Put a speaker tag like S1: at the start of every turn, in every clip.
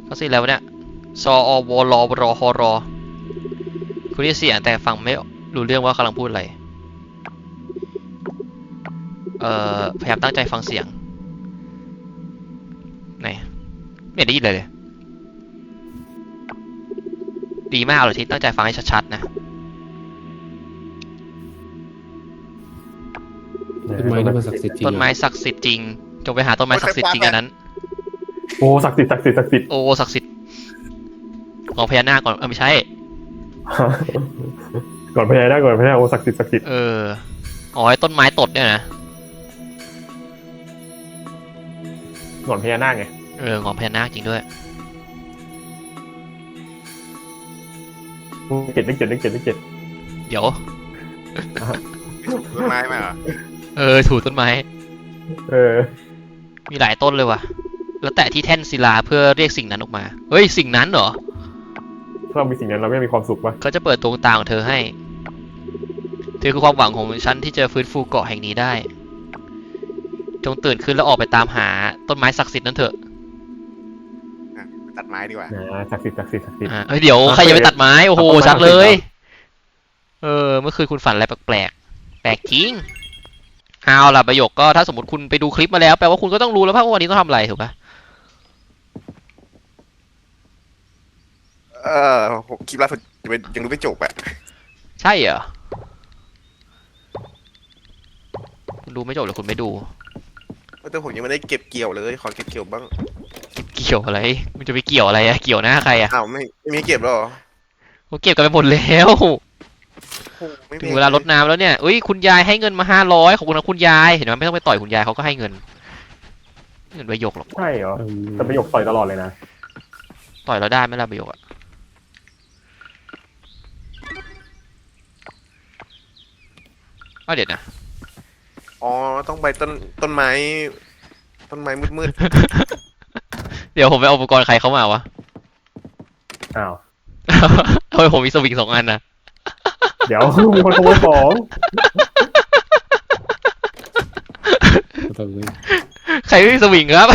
S1: เขาสิแล้วเนี่ยซออวรรฮรคุณได้เสียงแต่ฟังไม่รู้เรื่องว่ากำลังพูดอะไรพยายามตั้งใจฟังเสียงไหนไม่ได้ยินเลยดีมากเลยที่ตั้งใจฟังให้ชัดๆนะ
S2: ต้นไม้นี่มันศักดิ์สิทธิ์จริง
S1: ต้นไม้ศักดิ์สิทธิ์จริงจงไปหาต้นไม้ศักดิ์สิทธิ์จริงอันนั้น
S3: โอ้ศักดิ์สิทธิ์ศักดิ์สิทธิ์ศักดิ์สิทธิ์
S1: โอ้ศักดิ์สิทธิ์ของพญานาคก่อนไม่ใช่
S3: ก่อนพญานาคก่อนพญานาคโอ้ศักดิ์สิทธิ์ศักดิ์สิทธิ์
S1: อ๋อไอ้ต้นไม้ตดเนี่ยนะ
S3: ก่อนพญานาคไง
S1: ของพญานาคจริงด้วย
S3: เลขเจ็ด
S1: เดี๋ยว
S4: ต้นไม้ไหมเหรอ
S1: ถูต้นไม้มีหลายต้นเลยว่ะแล้วแตะที่แท่นศิลาเพื่อเรียกสิ่งนั้นออกมาเฮ้ยสิ่งนั้นเหรอ
S3: ถ้าเรามีสิ่งนั้นเราไม่มีความสุขปะ
S1: เขาจะเปิดดวงตาของเธอให้เธอคือความหวังของฉันที่จะฟื้นฟูเกาะแห่งนี้ได้จงตื่นขึ้นแล้วออกไปตามหาต้นไม้ศักดิ์สิทธิ์นั้นเถอะ
S4: ตัดไม้ดีกว่า
S3: ศักดิ์สิทธิ์
S1: เดี๋ยวใครจะไปตัดไม้โอ้โหชัดเลยเมื่อคืนคุณฝันอะไรแปลกจริงเอาล่ะประโยคก็ถ้าสมมติคุณไปดูคลิปมาแล้วแปลว่าคุณก็ต้องรู้แล้วว่าวันนี้ต้องทำอะไรถูกปะ
S4: คลิปล่าสุดยังดูไม่จบอะ
S1: ใช่เหรอคุณดูไม่จบหรือคุณไม่ดู
S4: แต่ผมยังไม่ได้เก็บเกี่ยวเลยขอเก็บเกี่ยวบ้าง
S1: เกี่ยวอะไรมันจะไปเกี่ยวอะไรอะเกี่ยวหน้าใครอะ
S4: ไม่มีเก็บหรอ
S1: เขาเก็บกันไปหมดแล้วถึงเวลารดน้ำแล้วเนี่ยคุณยายให้เงินมา500ขอบคุณนะคุณยายเห็นไหมไม่ต้องไปต่อยคุณยายเขาก็ให้เงินประโยคหรอก
S3: ใช่เหรอแต่ประโยคต่อยตลอดเลยนะ
S1: ต่อยเราได้ไหมล่ะประโยคอะเดี๋ยวนะ
S4: ต้องไปต้นไม้มืด
S1: เดี๋ยวผมไปเอาอุปกรณ์ใครเข้ามาวะ
S3: อ้าว
S1: ทำไมผมมีสวิง2 อันนะ
S3: เดี๋ยวมีคนขโมยของ
S1: ใครไม่มีสวิงครับ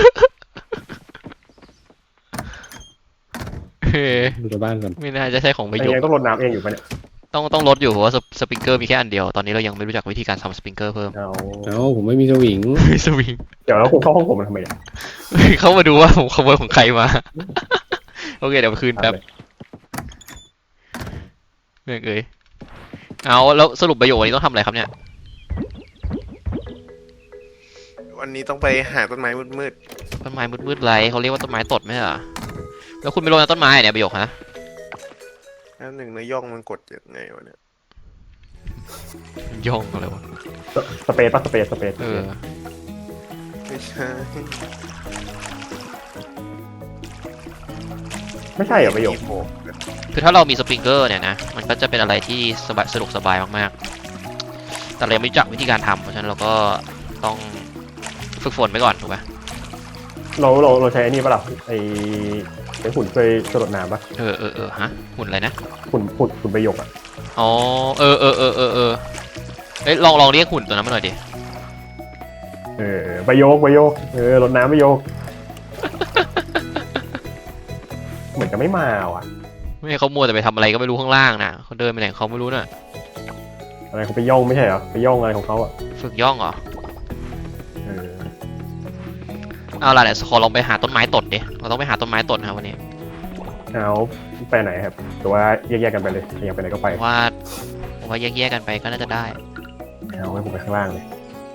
S2: ดูในบ้านกัน
S1: ไม่น่าจะใช่ของประโยค
S3: ต้องรดน้ำเองอยู่ปะเนี่ย
S1: ต้องลดอยู่เพราะว่าสปริงเกอร์มีแค่อันเดียวตอนนี้เรายังไม่รู้จักวิธีการทำสปริงเกอร์เพิ่ม
S2: ผมไม่มีสวิง
S1: สวิง
S3: เดี๋ยวแล้วคุณเข้าห้องผมทำไมเนี่ย
S1: เข้ามาดูว่าผมขโมยของใครมาโอเคเดี๋ยวคืนแป๊บเอาแล้วสรุปประโยควันนี้ต้องทำอะไรครับเนี่ย
S4: วันนี้ต้องไปหาต้นไม้มืด
S1: ไรเขาเรียกว่าต้นไม้ตดไหมเหรอแล้วคุณไปลงในต้นไม้เนี่ยประโยคฮะ
S4: หนึ่งในย่องมันกดยังไงวะเนี่ย
S1: ย่องอะไรวะ
S3: สเปซไม่ใช่ไม่ใช่เหรอประโยค
S1: คือถ้าเรามีสปริงเกอร์เนี่ยนะมันก็จะเป็นอะไรที่สนุกสบายมากๆแต่เราไม่รู้จักวิธีการทำเพราะฉะนั้นเราก็ต้องฝึกฝนไปก่อนถูกไหม
S3: เราใช้อันนี้ป่ะล่ะไอ้หุ่นช่วยสลดน้ำป่ะ
S1: ฮะหุ่นอะไรนะ
S3: หุ่นประโยคอ่ะ
S1: อ๋อลองเรียกหุ่นตัวนั้นมาหน่อยดิ
S3: ประโยครดน้ำประโยคเหมือนจะไม่มาว่ะ
S1: ไม่เขามัวแต่ไปทำอะไรก็ไม่รู้ข้างล่างนะเขาเดินไปไหนเขาไม่รู้น่ะ
S3: อะไรเขาไปย่องไม่ใช่เหรอไปย่องอะไรของเขาอ่ะ
S1: ฝึกย่องเหรอเอาล่ะเดี๋ยวขอลองไปหาต้นไม้ตดดิเราต้องไปหาต้นไม้ตดนะครับวันนี้
S3: เอาไปไหนครับหรือว่าแยกกันไปเลยอยากไปไหนก็ไป
S1: ว่าแยกกันไปก็น่าจะได้
S3: เอาไว้ผมไปข้างล่างเลย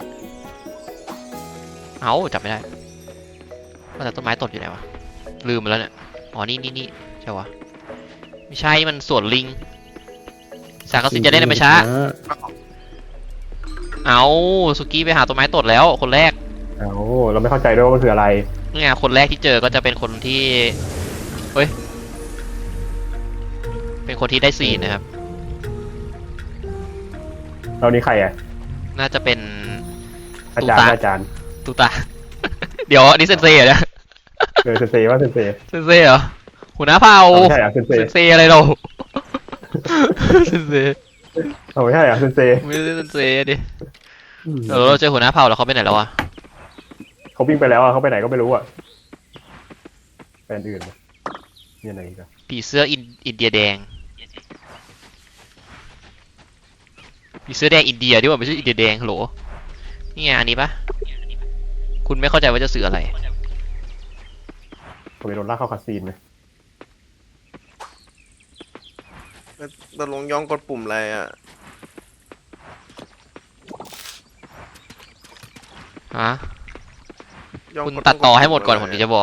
S1: จับไม่ได้ว่าแต่ต้นไม้ตดอยู่ไหนวะลืมไปแล้วเนี่ยอ๋อนี่ใช่วะไม่ใช่มันสวนลิงสากสินจะได้ไม่ช้าสุกี้ไปหาต้นไม้ตดแล้วคนแรก
S3: เราไม่เข้าใจด้วยว่ามันคืออะไร
S1: เนี่ยคนแรกที่เจอก็จะเป็นคนที่เป็นคนที่ได้4นะครับ
S3: เรานี่ใครอ่ะ
S1: น่าจะเป็น
S3: อาจารย์
S1: ตูตาเดี๋ยวนี่เซนเซ่เหรอ
S3: เซนเซ่ว่าเซนเ
S1: ซ่เหรอหัวหน้าเผ่า
S3: ใช่เซน
S1: เซ่อะไรเราเซนเซ่
S3: ไม่ใช่เซนเซ่
S1: ไม่ใช่เซนเซ่ดิเราเจอหัวหน้าเผ่าแล้วเขาไปไหนแล้วอะ
S3: เขาวิ่งไปแล้วเขาไปไหนก็ไม่รู้อ่ะแบรนด์อื่นไหมมีอะไรอีกอะ
S1: ผีเสื้ออินเดียแดงผีเสื้อแดงอินเดียดีกว่าไม่ใช่อินเดียแดงฮัลโหลนี่ไงอันนี้ปะคุณไม่เข้าใจว่าจะสื่ออะไร
S3: ผมไปโดนลากเข้าคาซีนไหม
S4: เราลงย่องกดปุ่มอะไรอ่ะ
S1: ฮะ
S4: ย่อง
S1: คุณ
S4: ก
S1: ตัดต่อให้หมดก่อน
S4: ปุ่
S1: ผมถึงจะบอก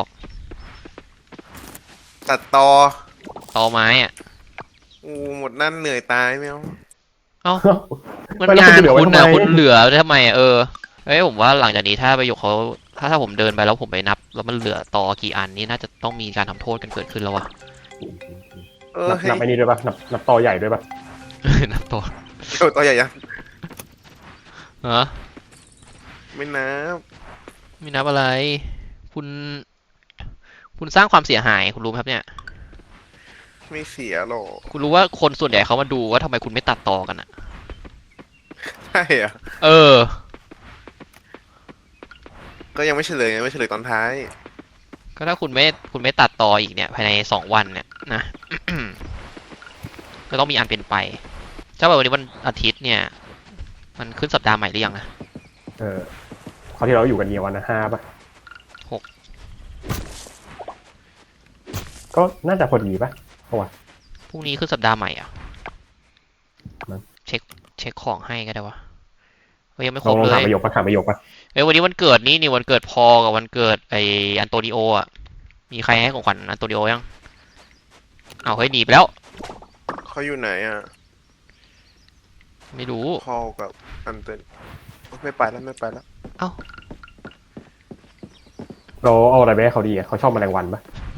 S4: ตัดต่อ
S1: ต่อไม้อะ
S4: อู้หมดนั่นเหนื่อยตายไม่เอา
S1: เอ้ามัน
S3: ไม่แล้ว
S1: งาน
S3: จะเหลือไว้
S1: คุณ
S3: ทำ
S1: อะ
S3: ไม
S1: คุณเหลือไว้ทำไมอะเฮ้ยผมว่าหลังจากนี้ถ้าประโยคเขาถ้าผมเดินไปแล้วผมไปนับ แล้วมันเหลือต่อกี่อันนี่น่าจะต้องมีการทำโทษกันเกิดขึ้นแล้ววะ
S4: เออ
S3: นับ
S4: ให้
S3: นับไอ้นี่ด้วยปะนับต่อใหญ่ด้วยปะ
S1: นับต่อ
S4: เดี๋ยวตัวใหญ่ยัง
S1: ฮะ
S4: ไม่นับ
S1: ไม่นับอะไร คุณ คุณสร้างความเสียหายคุณรู้ไหมครับเนี่ย
S4: ไม่เสียหรอก
S1: คุณรู้ว่าคนส่วนใหญ่เขามาดูว่าทำไมคุณไม่ตัดต่อกันอะ
S4: ใช่อ่ะ
S1: เออ
S4: ก็ยังไม่เฉลยไงไม่เฉลยตอนท้าย
S1: ก็ถ้าคุณไม่ตัดต่ออีกเนี่ยภายใน2 วันเนี่ยนะ ก็ต้องมีอันเป็นไปถ้าแบบวันนี้วันอาทิตย์เนี่ย มันขึ้นสัปดาห์ใหม่หรือยังนะ
S3: คราวที่เราอยู่กันเยียวันนะ5ปะ
S1: 6
S3: ก็น่าจะพอดีปะ
S1: พรุ่งนี้ขึ้นสัปดาห์ใหม่อ่ะ
S3: มั้ง
S1: เช็คของให้ก็ได้วะเฮ้ยยังไม่ค
S3: ล
S1: ร
S3: อง
S1: บ
S3: ลอง
S1: เล
S3: ถาม
S1: ย
S3: ประโยคปะถามประโยคปะ
S1: เฮ้ยวันนี้วันเกิดนี่วันเกิดพอกับวันเกิดไออันโตนิโออ่ะ มีใครให้ของขวัญอันโตนิโอยังเอาวเฮ้ยหนีไปแล้ว
S4: เขาอยู่ไหนอ่ะ
S1: ไม่รู้
S4: พอลกับอันเตนไม่ไปแล้วไม่ไปแล้ว
S3: เราเอาอะไรไปให้เขาดีอะเขาชอบแมลงวันปะ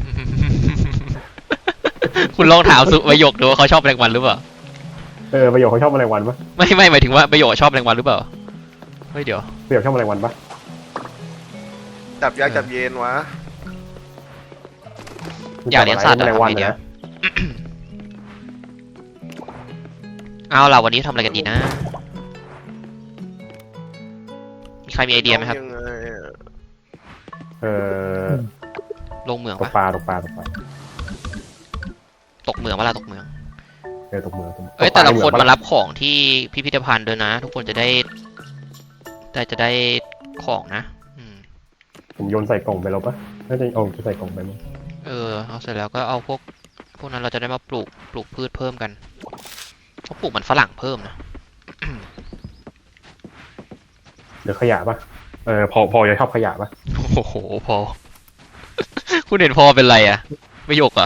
S1: คุณลองถามสุประโยคดูว่าเขาชอบแรงวันหรือเปล่า
S3: ประโยคเขาชอบแมลงวันปะ
S1: ไม่หมายถึงว่าประโยคชอบแรงวันหรือเปล่า เฮ้ยเดี๋ยว
S3: ประโยคชอบแมลงวันปะ
S4: จับยากจับเย็นวะ
S1: อยากเลี้ยงสัตว์
S3: แม
S1: อะ
S3: ลงวัน
S1: ทำไงดี
S3: นะ
S1: อะ เอาล่ะวันนี้ทำอะไรกันดีนะ มีใครมีไอเดียไหมครับ
S4: ยังไงอะ
S1: ลงเหมือง
S3: ตก
S1: ปะ
S3: ปลาตกปลาตกปลา
S1: ตกเหมืองเวลาตกเหมือง
S3: ตกเมือง
S1: เอ้ยแต่ละคนมารับของที่พิพิธภัณฑ์ด้วยนะ ทุกคนจะได้ของนะ อืม
S3: ผมโยนใส่กล่องไปแล้วปะน่าจะเอาใส่กล่องไปมั้ง
S1: เอาเสร็จแล้วก็เอาพวกนั้นเราจะได้มาปลูกพืชเพิ่มกันเพราะปลูกมันฝรั่งเพิ่มนะ
S3: เหลือขยะปะพอจะชอบขยะปะ
S1: โอ้โหพอ คุณเห็นพอเป็นไรอะประโยคอะ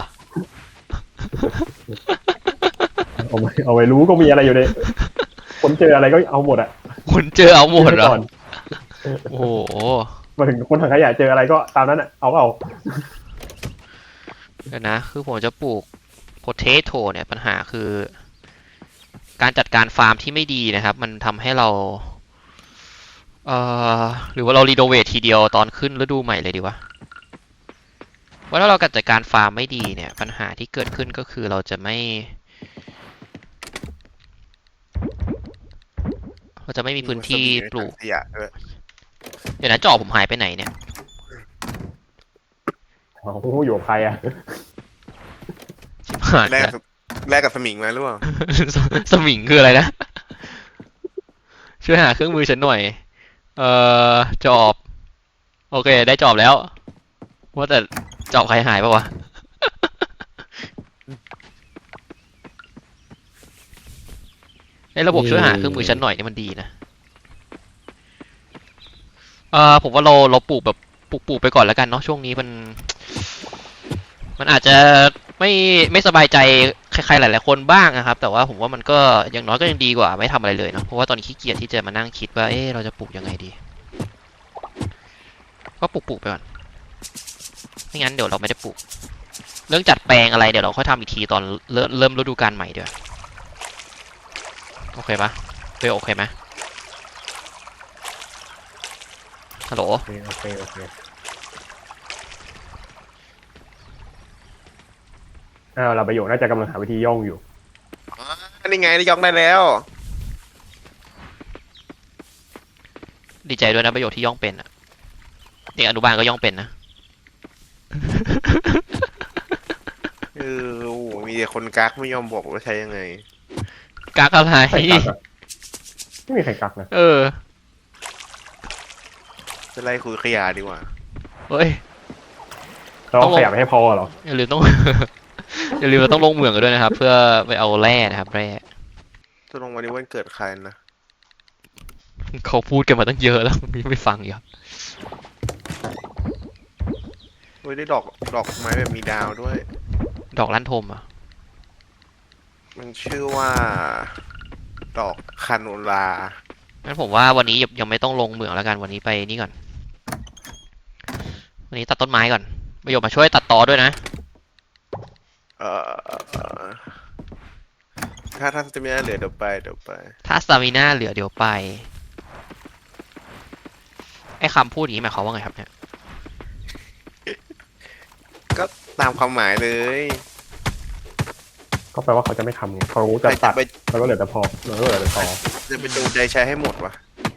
S3: เอาไปรู้ก็มีอะไรอยู่ในคนเจออะไรก็เอาหมดอะ
S1: คุณเจอเอาหมดเหรอ
S3: ก่อน
S1: โอ้โห
S3: มาถึงคนถังขยะเจออะไรก็ตามนั้นอะเอา
S1: เดี๋ยวนะ คือผมจะปลูกโพเทโตเนี่ยปัญหาคือ การจัดการฟาร์มที่ไม่ดีนะครับ มันทำให้เรา หรือว่าเรารีโนเวททีเดียวตอนขึ้นฤดูใหม่เลยดีวะว่าถ้าเราจัดการฟาร์มไม่ดีเนี่ย ปัญหาที่เกิดขึ้นก็คือเราจะไม่มีพื้นที่ปลูก
S4: ขยะด้วย
S1: เดี๋ยวนะจอบผมหายไปไหนเนี่ย
S3: เอาผู้อยู่กับใครอะ
S1: ชิบหาย
S4: แลก
S1: แล้ว
S4: กับแลกกับสมิงมาหรือเปล่า
S1: สมิงคืออะไรนะ ช่วยหาเครื่องมือฉันหน่อย จอบ โอเค ได้จอบแล้ว ว่าแต่จอบใครหายปะวะ ไอ้ระบบช่วยหาเครื่องมือฉันหน่อยนี่มันดีนะ ผมว่าเราปลูกแบบปลูกไปก่อนแล้วกันเนาะช่วงนี้มันอาจจะไม่สบายใจใครๆหลายๆคนบ้างนะครับ แต่ว่าผมว่ามันก็อย่างน้อยก็ยังดีกว่าไม่ทำอะไรเลยเนาะเพราะว่าตอนนี้ขี้เกียจที่จะมานั่งคิดว่าเราจะปลูกยังไงดี ก็ปลูกไปก่อนไม่งั้นเดี๋ยวเราไม่ได้ปลูก เรื่องจัดแปลงอะไรเดี๋ยวเราค่อยทำอีกทีตอนเริ่มฤดูกาลใหม่เดี๋ยวโอเคปะโอเคไหมฮัลโหล
S3: โอเคเราประโยคน่าจะกำลังหาวิธีย่องอยู่
S4: นี่ไงได้ย่องได้แล้ว
S1: ดีใจด้วยนะประโยชน์ที่ย่องเป็นอะเด็กอนุบาลก็ย่องเป็นนะ
S4: โอ้โหมีแต่คนกักไม่ยอมบอกว่าใช้ยังไง
S1: กักอะไร
S3: ใครกักอะไม่มีใครกักนะ
S1: เออ
S4: จะไล่คุยขยะดีกว่า
S1: เฮ้ย
S3: เรา
S1: ต้องลง
S3: ขยับให้พอเหรอ
S1: อย่าลืมต้อง อย่าลืมเราต้องลงเหมืองกันด้วยนะครับ เพื่อไปเอาแร่นะครับแร่
S4: จะลงวันนี้วันเกิดใครนะ
S1: เขาพูดกันมาตั้งเยอะแล้ว ไม่ฟังอีกครับ
S4: เฮ้ยได้ดอกไม้แบบมีดาวด้วย
S1: ดอกลั่นทมอ่ะ
S4: มันชื่อว่า ดอกคาโนลา
S1: งั้นผมว่าวันนี้ยังไม่ต้องลงเหมืองแล้วกันวันนี้ไปนี่ก่อน วันนี้ตัดต้นไม้ก่อนประโยชน์มาช่วยตัดตอด้วยนะ
S4: เอ่อถ้าจะมีอะไรเหลือเดี๋ยวไป
S1: ถ้าสตามิน่าเหลือเดี๋ยวไป ไอ้คำพูดอย่างนี้หมายความว่าไงครับเนี่ย
S4: ก็ตามความหมายเลย
S3: ก็แปลว่าเขาจะไม่ทำไงเขาจะ
S4: ใคร
S3: ตั
S4: จะ
S3: ด
S4: ไป
S3: แล้วก็เหลือแต่พอแล้วก็เหลือแต่ตอ
S4: จะไปดูใจใช้ให้หมดวะ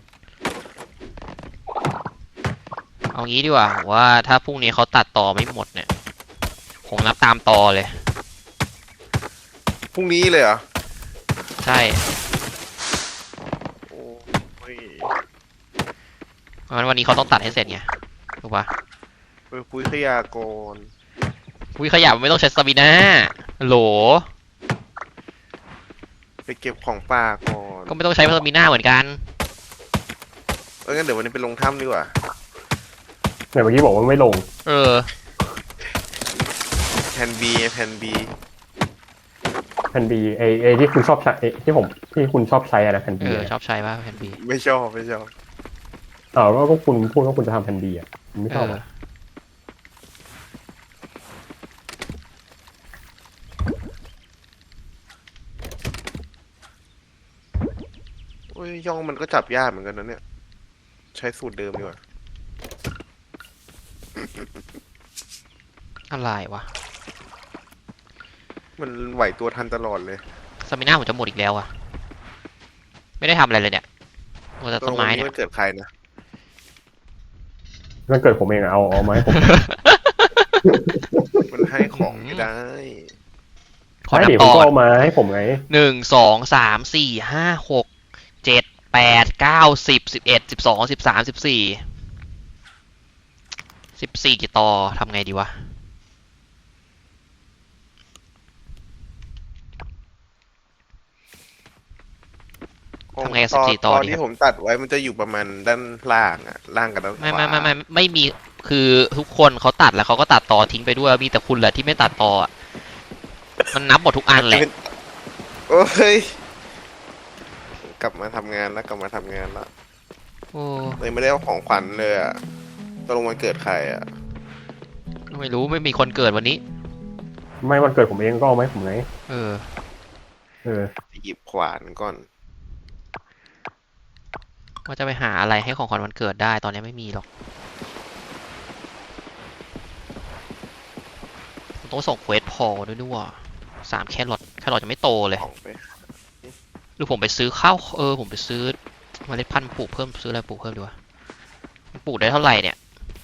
S1: เอางี้ดีกว่าผมว่าถ้าพรุ่งนี้เขาตัดตอไม่หมดเนี่ยผมนับตามตอเลย
S4: พรุ่งนี้เลยเหรอ
S1: ใช่
S4: โอ้ย
S1: เพราะฉะนั้นวันนี้เขาต้องตัดให้เสร็จไงถูกปะ
S4: ไปคุยขยะก่อน
S1: วิขยะมันไม่ต้องใช้สตามิน่าโหล
S4: ไปเก็บของป่าก่อน
S1: ก็ไม่ต้องใช้สตามิน่าเหมือนกัน
S4: งั้นเดี๋ยววันนี้ไปลงถ้ำดีกว่า
S3: เนี่ยเมื่อกี้บอกว่าไม่ลง
S1: เออ
S4: แผ่น B แผ่น B
S3: แผ่นบีไอที่คุณชอบใช้ที่คุณชอบใช้อะนะแผ่น
S1: เอ
S3: บี
S1: อ ชอบใช้ป่ะแผ่นบี
S4: ไม่ชอบ
S3: แล้วก็คุณพูดว่าคุณจะทำแผ่นบีอะผมไม่ชอบอะ
S4: โอ้ยย่องมันก็จับยากเหมือนกันนะเนี่ย ใช้สูตรเดิมดีกว่า
S1: อะไรวะ
S4: มันไหวตัวทันตลอดเลย
S1: สตามิน่าผมจะหมดอีกแล้วอะไม่ได้ทำอะไรเลยเนี่ยหมดแต่ต้นไม้เนี่ย
S4: วันเกิดใครนะ
S3: มันเกิดผมเองอะเอามาให้ผม
S4: มันให้ของไม่ได้
S1: ขอ
S3: ไม่
S1: นับ
S3: ดิ
S1: ต
S3: ผม
S1: อ
S3: ก็
S1: ก่อน
S3: เอามาให้ผมไง
S1: 1 2 3 4 5 6 7 8 9 10 11 12 13 14กี่ตอทำไงดีวะ ทำไงกับ14 ตอน
S4: ที่ผมตัดไว้มันจะอยู่ประมาณด้านล่างอะล่างกับด้านขวา
S1: ไม่มีคือทุกคนเขาตัดแล้วเขาก็ตัดตอทิ้งไปด้วยมีแต่คุณแหละที่ไม่ตัดตออะมันนับหมดทุกอันแหละ
S4: โอ้ยกลับมาทำงานแล้ว
S1: โอ้
S4: เลยไม่ได้เอาของขวัญเลยอะตกลงวันเกิดใครอะ
S1: ไม่รู้ไม่มีคนเกิดวันนี้
S3: ไม่วันเกิดผมเองก็เอามาให้ผมไง
S1: เออ
S4: ไปหยิบขวานก่อน
S1: ว่าจะไปหาอะไรให้ของขวัญวันเกิดได้ตอนนี้ไม่มีหรอกผมต้องส่งเควสพอลด้วยนี่หว่า3 แครอทจะไม่โตเลย
S4: ของไป
S1: หรือผมไปซื้อข้าวผมไปซื้อเมล็ดพันธุ์ปลูกเพิ่มซื้ออะไรปลูกเพิ่มดีวะมันปลูกได้เท่าไหร่เนี่ย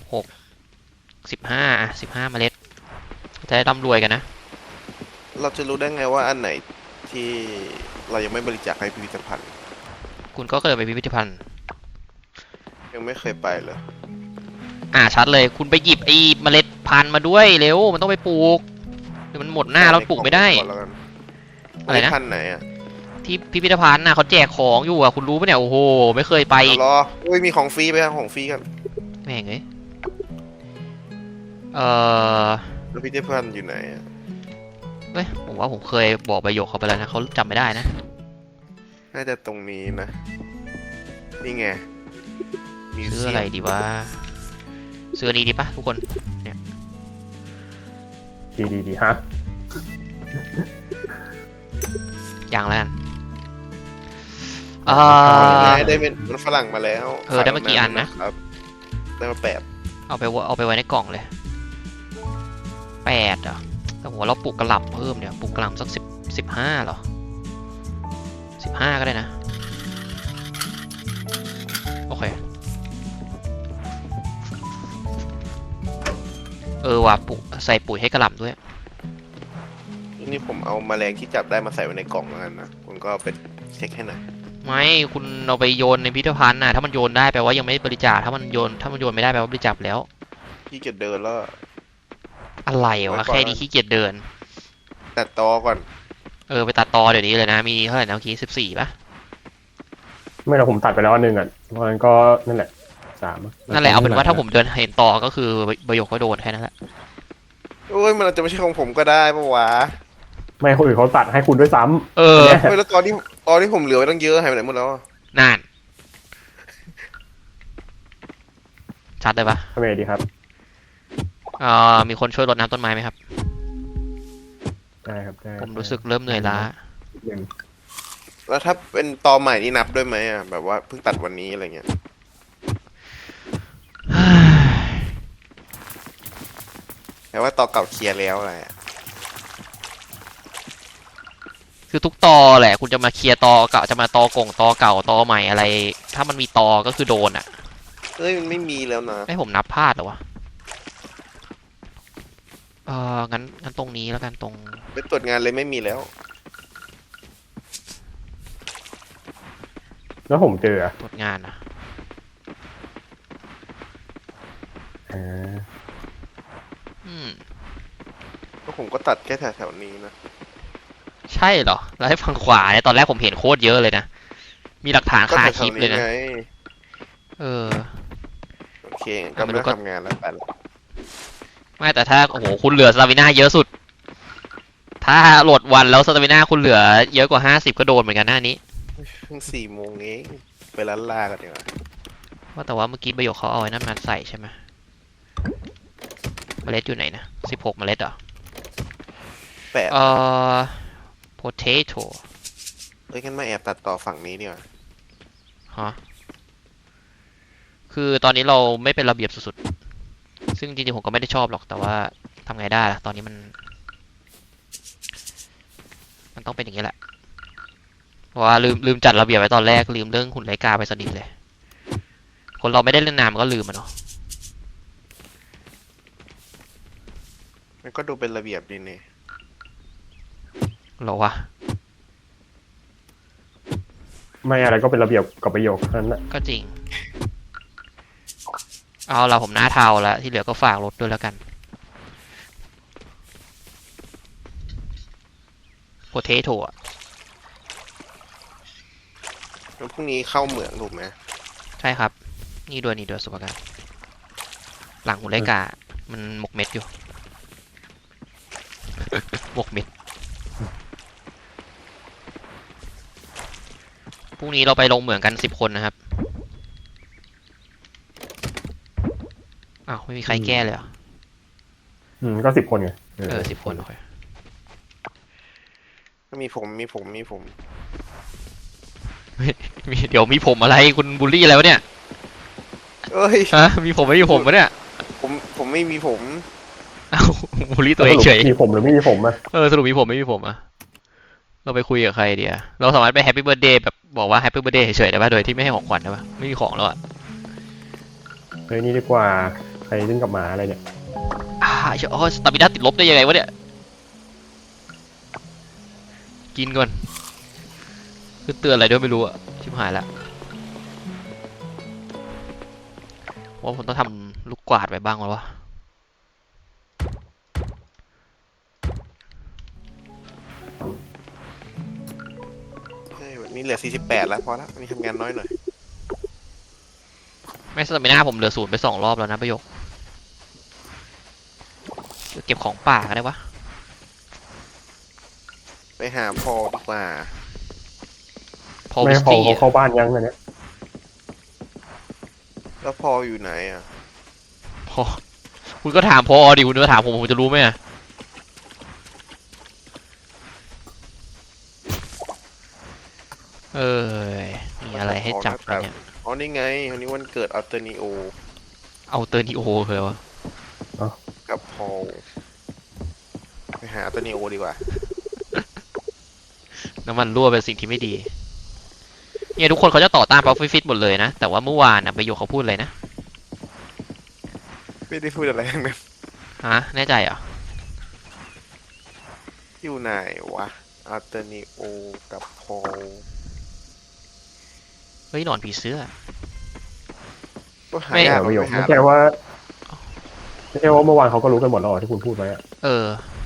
S1: 15 เมล็ดจะได้ร่ำรวยกันนะ
S4: เราจะรู้ได้ไงว่าอันไหนที่เรายังไม่บริจาคให้พิพิธภัณฑ์
S1: คุณก็เคยไปพิพิธภัณฑ์
S4: ยังไม่เคยไปเลย
S1: ชัดเลยคุณไปหยิบไอ้เมล็ดพันธุ์มาด้วยเร็วมันต้องไปปลูกเดี๋ยวมันหมดหน้าแล้วปลูกไม่ได้
S4: ก่อนแล้วกัน
S1: อะไรนะ
S4: พันธุ์ไหนอะ
S1: ที่พิพิธภัณฑ์น่ะเขาแจกของอยู่อ่ะคุณรู้ปะเนี่ยโอ้โหไม่เคยไป
S4: เอารออุ้ยมีของฟรีไปครับของฟรีกัน
S1: แม่งเอ้ย
S4: แล้วพิพิธภัณฑ์อยู่ไหนอะ
S1: เฮ้ยผมว่าผมเคยบอกประโยคเขาไปแล้วนะเขาจำไม่ได้นะ
S4: น่าจะตรงนี้นะ นี่ไงมิว
S1: ซื้อ
S4: เซีย
S1: อะไร
S4: ม
S1: ดีวะซื้ออันนี้ดีปะทุกคน
S3: ดีฮะ
S1: อย่างแล้วกัน
S4: ได้เป็นมันฝรั่งมาแล้ว
S1: ได้มากี่อันนะ
S4: ครับได้มา8
S1: เอาไปไว้ในกล่องเลย8อ่ะแต่ผมว่าเราปลูกกระหล่ำเพิ่มเนี่ยปลูกกระหล่ำสัก15เหรอ15ก็ได้นะโอเคว่ะปลูกใส่ปุ๋ยให้กระหล่ำด้วย
S4: นี่ผมเอาแมลงที่จับได้มาใส่ไว้ในกล่องแล้วกันนะคุณก็เอาไปเช็คให้หน่อย
S1: ไม่คุณเอาไปโยนในพิพิธภัณฑ์น่ะถ้ามันโยนได้แปลว่ายังไม่บริจาคถ้ามันโยนไม่ได้แปลว่าบริจาคแล้ว
S4: ที่เกียจเดินแล้ว
S1: อะไร
S4: ไว้
S1: วะ
S4: ก่อน
S1: แค่นี้ขี้เกียจเดิน
S4: ตัดตอก่อน
S1: ไปตัดตอเดี๋ยวนี้เลยนะมีเท่าไหร่นะเมื่อกี้14ป่ะ
S3: ไม่เราผมตัดไปแล้วอันหนึงอ่ะเพราะงั้นก็นั่นแหละ3อะ
S1: นั่นแหละเอาเป็นว่าถ้าผมเดินเห็นตอก็คือประโยคก็โดนแค่นั้นแหละ
S4: โอ้ยมันอาจจะไม่ใช่ของผมก็ได้ปะวะ
S3: ไม่คนอื่นเขาตัดให้คุณด้วยซ้ำ
S1: เออ
S3: เนี่ย
S4: เฮ้ยแล้วตอนที่ผมเหลือไว้ตั้งเยอะหายไปไหนหมดแล้วอะ
S1: นั่นชัดเลยปะ
S3: ทำไงดีครับ
S1: มีคนช่วยรดน้ำต้นไม้ไหมครับ
S3: ได้ครับได้
S1: ผมรู้สึกเริ่มเหนื่อยล้า
S3: อย่าง
S4: แล้วถ้าเป็นตอใหม่นี่นับด้วยไหมอ่ะแบบว่าเพิ่งตัดวันนี้อะไรเงี้ยแต่ว่าตอเก่าเคลียร์แล้วอะไรอะ
S1: คือทุกตอแหละคุณจะมาเคลียร์ตอเก่าจะมาตอกงตอเก่าตอใหม่อะไร ถ้ามันมีตอก็คือโดนอ่ะ
S4: เอ้ยมันไม่มีแล้วนะ
S1: ให้ผมนับพลาดเหรอวะงั้นตรงนี้แล้วกันตรง
S4: ไปตรวจงานเลยไม่มีแล้ว
S3: แล้วผมเจออะ
S1: ตรวจงานอ่ะ
S3: อ่า
S1: อืม
S4: ก็ผมก็ตัดแค่แถวๆนี้นะ
S1: ใช่เหรอแล้วให้ฝั่งขวาเนี่ยตอนแรกผมเห็นโคตรเยอะเลยนะมีหลักฐาน
S4: ก็
S1: คา
S4: แถ
S1: คลิป
S4: วๆ
S1: เลย
S4: นี้
S1: นะ
S4: ไง
S1: เออ
S4: โอเคงั้นก็ไม่ต้องทำงานแล้วไปละ
S1: ไม่แต่ถ้าโอ้โหคุณเหลือสตามิน่าเยอะสุด ถ้าโหลดวันแล้วสตามิน่าคุณเหลือเยอะกว่า50ก็โดนเหมือนกันหน้านี้
S4: เพิ่ง4 โมงเองไปร้านลากันดีกว่า
S1: แต่ว่าเมื่อกี้ประโยคเขาเอาไว้นั่นมาใส่ใช่ไหมเมล็ดอยู่ไหนนะ16เมล็ดเหรอ
S4: 8
S1: potato
S4: เอ้ยงั้นมาแอบตัดต่อฝั่งนี้ดีกว่า
S1: ฮะคือตอนนี้เราไม่เป็นระเบียบสุดๆซึ่งจริงๆผมก็ไม่ได้ชอบหรอกแต่ว่าทำไงได้ล่ะตอนนี้มันต้องเป็นอย่างนี้แหละเพราะว่าลืมจัดระเบียบไว้ตอนแรกลืมเรื่องหุ่นไลกาไปสนิทเลย คนเราไม่ได้เล่นนานมันก็ลืมมันเนาะ
S4: มันก็ดูเป็นระเบียบดีเนี่ย
S1: หรอวะ
S3: ไม่อะไรก็เป็นระเบียบกับประโยคนั้นแหละ
S1: ก็จริง เอาละผมหน้าเทาแล้วที่เหลือก็ฝากรถด้วยแล้วกัน potato อ่ะ
S4: แล้วพรุ่งนี้เข้าเหมืองถูกไหม
S1: ใช่ครับ นี่ด้วยสุภาการหลังหุ่นไลกา มันหมกเม็ดอยู่ หมกเม็ด พรุ่งนี้เราไปลงเหมืองกัน10 คนนะครับ อ้าว ไม่มีใครแก้เลยเหรอ
S3: ก็10 คนไง
S1: 10 คนโอเค
S4: ก็มีผม
S1: เดี๋ยวมีผมอะไรคุณบูลลี่อะไรวะเนี่ย
S4: เอ้ย
S1: ฮะ มีผมไม่มีผมวะเนี่ย
S4: ผมไม่มีผม
S1: เอ้าบูลลี่ตัวเองเฉย
S3: มีผมหรือไม่มีผมอะ
S1: สรุปมีผมไม่มีผมอ่ะ เราไปคุยกับใครเดียเราสามารถไปแฮปปี้เบิร์ดเดย์แบบบอกว่าแฮปปี้เบิร์ดเดย์เฉยๆได้ป่ะโดยที่ไม่ให้ของขวัญได้ป่ะไม่มีของแล้วอ่ะ
S3: เฮ้ยนี่ดีกว่าใครเล่นกับหมาอะไรเนี่ย
S1: สตามิน่าติดลบได้ยังไงวะเนี่ย กินก่อนคือเตือนอะไรด้วยไม่รู้อ่ะ ชิบหายละว่าผมต้องทำลูกกวาดไว้บ้างแล้ววะ
S4: เฮ้ยวันนี้เหลือ48แล้วพอละวันนี้ทำงานน้อยหน่อย
S1: ไม่สตามิน่าผมเหลือ0ไป2 รอบแล้วนะประโยคเก็บของป่าก็ได้วะ
S4: ไปหาพอดีกว่า
S1: พอ
S3: ไม่
S1: วิส
S3: พอ
S1: ตี้
S3: เขาเข้าบ้านยังอันเนี้ย
S4: แล้วพออยู่ไหนอ่ะ
S1: พอคุณก็ถามพอดิคุณก็ถามผมจะรู้ไหมอะมีอะไรให้จับไหมเนี่ย
S4: อ๋อนี่ไงวันนี้วันเกิดอัลเตอร์นิโอ
S1: เอาเตอร์นิโอเลยวะ
S4: กับพอลไปหาอัลเตอร์นิโอดีกว่า
S1: น้ำมันรั่วเป็นสิ่งที่ไม่ดีเนี่ยทุกคนเขาจะต่อต้านป๊อปฟิตหมดเลยนะ แต่ว่าเมื่อวานประโยคเขาพูดเลยนะ
S4: ไม่ได้พูดอะไรทั้งนั้น
S1: ฮะแน่ใจเหรอ
S4: อยู่ไหนวะอัลเตอร์นิโอกับโพล
S1: เฮ้ยหนอนผีเสื้อ
S4: ก็หา
S1: ไม่
S4: ยาก
S3: ประโยค
S4: หา
S3: ไม่ใช่ว่าเมื่อวานเขาก็รู้กันหมดแล้วเหรอที่คุณพูดไว้อะ
S1: เออ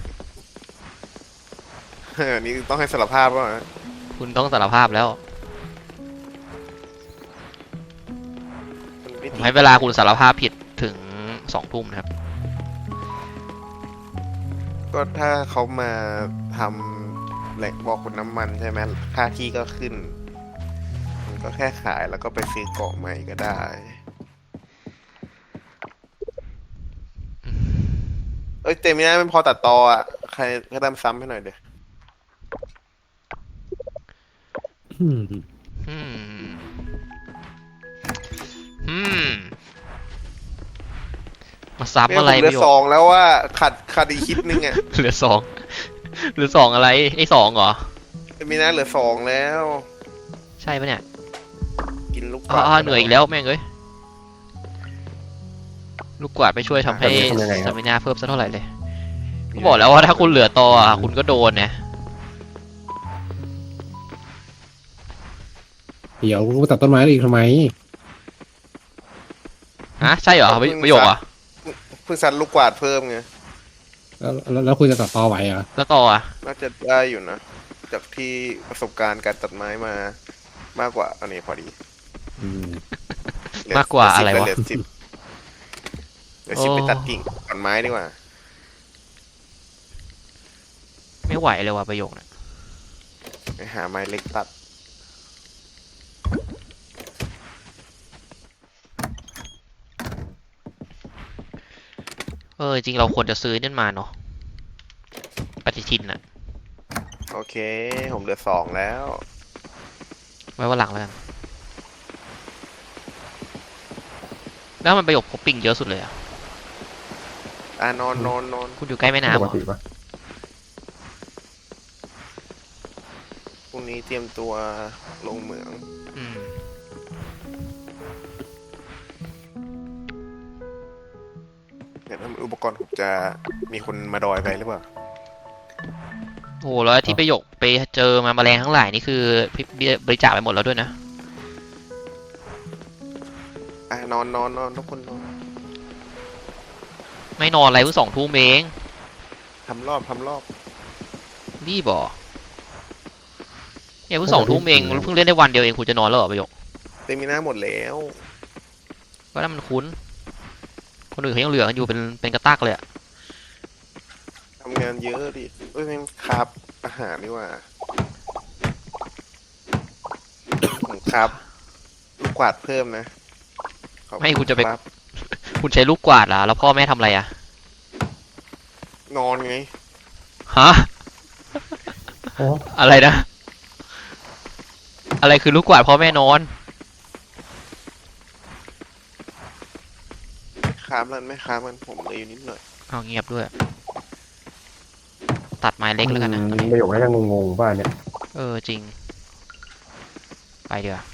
S4: นี่ต้องให้สารภาพว่า
S1: คุณต้องสารภาพแล้วผมให้เวลาคุณสารภาพผิดถึง2 ทุ่มนะครับ
S4: ก็ถ้าเขามาทำแหล่งบ่อขุดน้ำมันใช่ไหมค่าที่ก็ขึ้น มันก็แค่ขายแล้วก็ไปซื้อเกาะใหม่ก็ได้ เอ้ยเต็มไม่ได้ไม่พอตัดต่ออ่ะ ใครก็ทำซ้ำให้หน่อยเดี๋ยว
S2: อืม
S1: อืม อืม มาซับอะไร
S4: เหลื
S1: ป
S4: อ
S1: ระโย
S4: ส
S1: ค
S4: องแล้วว่าขาดอีกคลิปนึงอ่ะ
S1: เหลือ2เหลือ2อะไรไอ้2เหรอ
S4: เต็มไม่ได้เหลือสองแล้ว
S1: ใช่ปะเนี่ย
S4: กินลูก
S1: อ๋อเหนื่อยอีกแล้วแม่งเอ้ย ลูกกวาดไปช่วยทำให้สตามินาเพิ่มสักเท่าไหร่เลย ก็บอกแล้วว่าถ้าคุณเหลือต่ออ่ะคุณก็โดนนะ
S2: เดี๋ยวกูตัดต้นไม้อีกทำไม
S1: ฮะใช่เหรอประโยคเหรอ
S4: เพิ่งซัดลูกกวาดเพิ่มไง
S2: แล้วคุณจะตัดตอไหวเหรอ
S1: แล้วต่ออ่ะ
S4: น่าจะได้อยู่นะ จากที่ประสบการณ์การตัดไม้มามากกว่าอันนี้พอดี
S2: อืม
S4: เหลือ
S1: มากกว่าอะไรวะ
S4: เหลือ10เหลือ10ไปตัดกิ่งตัดไม้ดีกว่า
S1: ไม่ไหวเลยว่ะประโยคเนี่ย
S4: ไปหาไม้เล็กตัด
S1: จริงเราควรจะซื้อนั่นมาเนาะปฏิทินอ่ะ
S4: โอเค ผมเหลือสองแล้ว
S1: ไว้วันหลังแล้วกัน แล้วมันประโยคพบปิงเยอะสุดเลยอ่ะ
S4: นอน
S1: คุณอยู่ใกล้แม่น้ำ
S3: ป
S1: เห
S3: ก
S1: รอ
S3: ติปะ
S4: พรุ่งนี้เตรียมตัวลงเหมือง
S1: อืม
S4: เดี๋ยวถ้าอุปกรณ์ผมจะมีคนมาดอยไปหรือเปล่า
S1: โอ้โหแล้วที่ประโยคไปเจอมาแมลงทั้งหลายนี่คือบริจาคไปหมดแล้วด้วยนะ
S4: นอนทุกคนนอน
S1: ไม่นอนอะไรเพิ่ง2 ทุ่มเอง
S4: ทำรอบ
S1: รีบเหรอเนี่ยเพิ่ง2 ทุ่มเองเพิ่งเล่นได้วันเดียวเองคุณจะนอนแล้วเหรอประโยค
S4: เต็มมีหน้าหมดแล้ว
S1: ก็นั่นมันคุ้น คนอื่นเขายังเหลือกันอยู่เป็นกระตักเลยอะ
S4: ทำงานเยอะดิเอ้ยแม่งครับอาหารดีกว่าผมครับลูกกวาดเพิ่มนะขอบ
S1: ไม่คุณจะไป
S4: รับ
S1: คุณใช้ลูกกวาดเหรอแล้วพ่อแม่ทำอะไรอะ
S4: นอนไง
S1: ฮะ
S3: โอ้
S1: อะไรนะ อะไรคือลูกกวาดพ่อแม่นอน
S4: ครับมันไม่ครับมันผมเลยอยู่นิดหน่อย
S1: เอาเงียบด้วย ตัดไม้เล็กแล้วกันนะ
S3: ประโยคน่าจะงงๆป่ะเนี่ย
S1: จริง ไปเดี๋ยวา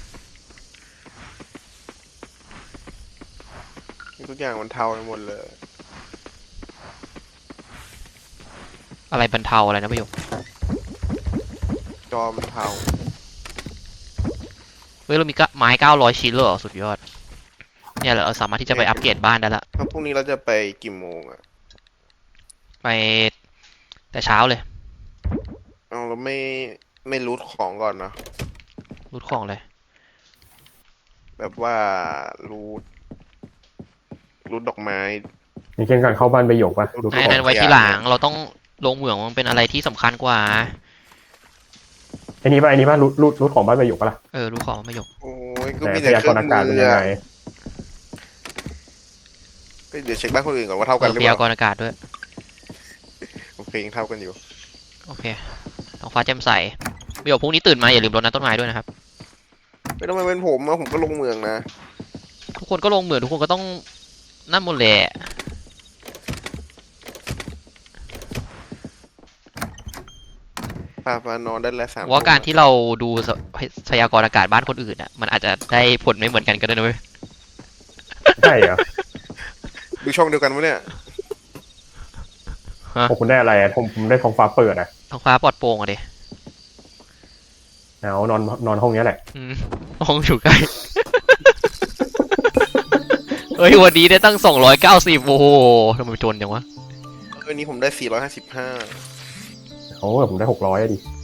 S4: ทุกอย่างมันเทาไปหมดเลย
S1: อะไรบรรเทาอะไรนะประโยค
S4: จอมันเทา
S1: เฮ้ยเรามีไม้900 ชิ้นเลยเหรอสุดยอด เนี่ยเราสามารถที่จะไปอัปเกรดบ้านได้ละ
S4: แล้วพรุ่งนี้เราจะไปกี่โมงอ่ะ
S1: ไปแต่เช้าเลย
S4: เอาเราไม่รูทของก่อนเนาะ
S1: รูดของเลย
S4: แบบว่ารูทดอกไม้
S3: อย่างเช่นการเข้าบ้านประโยคป่ะดู
S1: ไอ้
S3: ก่อน
S1: นั้นไว้ที่หลังเราต้องลงเหมืองมันเป็นอะไรที่สำคัญกว่า
S3: ไอ้นี่ป่ะรูทของบ้านประโยคป่ะล่ะ
S1: รูดของประโยค
S4: โอ้ยก็
S3: แต่
S4: มี
S3: พ
S4: แต่
S3: ยา
S4: เค
S3: ก
S4: รื่อ
S3: รง ณ์อากาศเป็น
S4: มือ
S3: ยัง
S4: อะ
S3: ไง
S4: เดี๋ยวเช็คบ้านคนอื่นก่อนว่าเท่ากันหรือ
S1: พ
S4: เป
S1: ยาก
S4: ล่าร
S1: ณ์อากาศด้วย
S4: โอเคยังเท่ากันอยู่
S1: โอเคท้องฟ้าแจ่มใสประโยคพรุ่งนี้ตื่นมาอย่าลืมรดน้ำต้นไม้ด้วยนะครับ
S4: ไม่ต้องมาเป็นผมอะผมก็ลงเมืองนะ
S1: ทุกคนก็ลงเหมืองทุกคนก็ต้องนั่นหมดแหละ
S4: ปานอนได้แล้ว3
S1: ว่าการที่เราดูพยากรณ์อากาศบ้านคนอื่นอ่ะมันอาจจะได้ผลไม่เหมือนกันก็ได้นะเว้ย
S3: ใช่เหรอ
S4: ดูช่องเดียวกันวะเนี่ย
S3: ของคุณได้อะไรอะผมได้ท้องฟ้าเปิดอะ
S1: ท้องฟ้าปลอดโปร่งอะดิ
S3: เอานอนห้องเนี้ยแหละ
S1: ห้องอยู่ใกล้ เฮ้ยวันนี้ได้ตั้ง290โอ้โหทำไมจนจังวะ
S4: วันนี้ผมได้455
S3: โอ้ผมได้600อะดิ